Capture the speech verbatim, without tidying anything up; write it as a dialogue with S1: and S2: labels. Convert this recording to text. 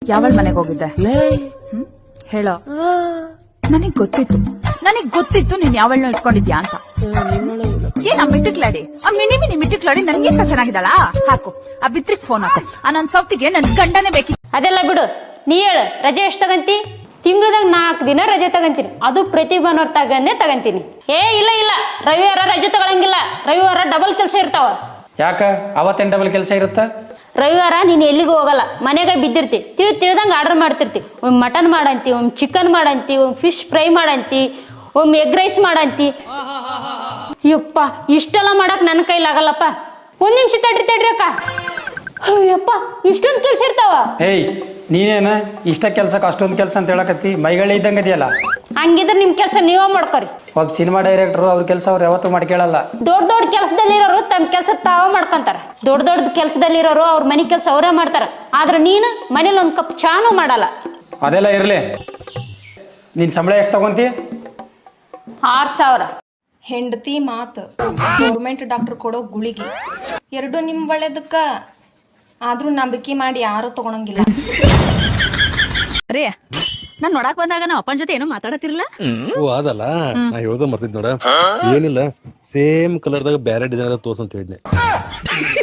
S1: ಯಾವಳ ಮನೆಗೆ ಹೋಗಿದ್ದೆ ಹ್ಮ್ ಹೇಳೋ. ನನಗ್ ಗೊತ್ತಿತ್ತು ನನಗ್ ಗೊತ್ತಿತ್ತು ನೀನ್ ಯಾವಳನ್ನ ಇಟ್ಕೊಂಡಿದ್ಯಾ ಅಂತ. ಏನ್ ಆ ಮಿಟ್ಟಿಕ್ಲಾಡಿ ಆ ಮಿನಿ ಮಿನಿ ಮಿಟ್ಟಿಕ್ಲಾಡಿ ನನ್ಗಿಂತ ಚೆನ್ನಾಗಿದ್ದಾಳ. ಹಾಕು ಆ ಬಿತ್ರಿಕ್ ಫೋನ್ ಹಾಕು. ಆ ನನ್ ಸೌತಿಗೆ ನನ್ ಗಂಡನೇ ಬೇಕಿ.
S2: ಅದೆಲ್ಲ ಬಿಡು, ನೀ ಹೇಳು ರಜೆ ಎಷ್ಟು ತಗಂತಿ? ತಿಂಗಳದಾಗ ನಾಲ್ಕು ದಿನ ರಜೆ ತಗಂತೀನಿ, ಅದು ಪ್ರತಿ ಭಾನುವಾರ ತಗಂದೇ ತಗಂತೀನಿ. ಏ ಇಲ್ಲ ಇಲ್ಲ, ರವಿವಾರ ರಜೆ ತಗೊಳಂಗಿಲ್ಲ. ರವಿವಾರ ಡಬಲ್ ಕೆಲಸ ಇರ್ತಾವ.
S3: ಯಾಕ ಅವತ್ತೇನ್ ಡಬಲ್ ಕೆಲಸ ಇರುತ್ತ?
S2: ರವಿವಾರ ನೀನ್ ಎಲ್ಲಿಗೂ ಹೋಗಲ್ಲ, ಮನೆಗೆ ಬಿದ್ದಿರ್ತಿ. ತಿಳಿ ತಿಳಿದಂಗ ಆರ್ಡರ್ ಮಾಡ್ತಿರ್ತಿ. ಒಮ್ಮೆ ಮಟನ್ ಮಾಡಂತಿ, ಒಮ್ಮೆ ಚಿಕನ್ ಮಾಡಂತಿ, ಒಮ್ಮೆ ಫಿಶ್ ಫ್ರೈ ಮಾಡಂತಿ, ಒಮ್ಮೆ ಎಗ್ ರೈಸ್ ಮಾಡಂತಿ. ಯಪ್ಪ ಇಷ್ಟೆಲ್ಲ ಮಾಡಕ್ ನನ್ನ ಕೈಲಾಗಲ್ಲಪ್ಪ. ಒಂದ್ ನಿಮಿಷ ತಡ್ರಿ ತಡ್ರಿ ಅಕ್ಕ. ಅಯ್ಯಪ್ಪ ಇಷ್ಟೊಂದು ಕೆಲ್ಸ ಇರ್ತಾವ.
S3: ಏಯ್ ನೀನೇನ ಇಷ್ಟ ಕೆಲ್ಸಕ್ಕೆ ಅಷ್ಟೊಂದು ಕೆಲಸ ಅಂತ ಹೇಳಕತ್ತಿ? ಮೈಗಳೇ ಇದ್ದಂಗ ಇದೆಯಲ್ಲ.
S2: ಹಂಗಿದ್ರೆ ನಿಮ್ ಕೆಲಸ ನೀವೇ ಮಾಡ್ಕೊರಿ.
S3: ಒಬ್ಬ ಸಿನಿಮಾ ಡೈರೆಕ್ಟರ್ ಅವ್ರ ಕೆಲಸ ಅವ್ರು ಯಾವತ್ತೂ ಮಾಡ್ಕೇಳಲ್ಲ.
S2: ದೊಡ್ಡ ದೊಡ್ಡ ಕೆಲಸದಲ್ಲಿರೋರು ತಮ್ಮ ಕೆಲಸ ತಾವ ಮಾಡ್ಕೊಂತಾರ. ದೊಡ್ಡ ದೊಡ್ಡ ಕೆಲಸದಲ್ಲಿರೋರು ಅವ್ರ ಮನೆ ಕೆಲಸ ಅವರೇ ಮಾಡ್ತಾರ. ಆದ್ರೆ ನೀನು ಮನೇಲಿ ಒಂದ್ ಕಪ್ ಚಾನು ಮಾಡಲ್ಲ.
S3: ಅದೆಲ್ಲ ಇರ್ಲಿ, ನೀನ್ ಸಂಬಳ ಎಷ್ಟು ತಗೊಂತಿ?
S2: ಆರ್ ಸಾವಿರ.
S4: ಹೆಂಡತಿ ಮಾತು, ಗೌರ್ಮೆಂಟ್ ಡಾಕ್ಟರ್ ಕೊಡೋ ಗುಳಿಗೆ ಎರಡು ನಿಮ್ ಒಳ್ಳೇದಕ್ಕ. ಆದ್ರೂ ನಂಬಿಕೆ ಮಾಡಿ ಯಾರು ತಗೊಳಂಗಿಲ್ಲ.
S1: ರೇ ನಾನ್ ನೋಡಾಕ್ ಬಂದಾಗ ನಾವ್ ಅಪ್ಪನ ಜೊತೆ ಏನೋ ಮಾತಾಡತಿರ್ಲಿಲ್ಲ.
S5: ಓ ಅದಲ್ಲ, ನಾ ಹೇಳ್ದ ಮರ್ತಿದ್ ನೋಡ. ಏನಿಲ್ಲ, ಸೇಮ್ ಕಲರ್ದಾಗ ಬ್ಯಾರೆ ಡಿಸೈನ್ ತೋರ್ಸ್ ಅಂತ ಹೇಳಿದ್ನೆ.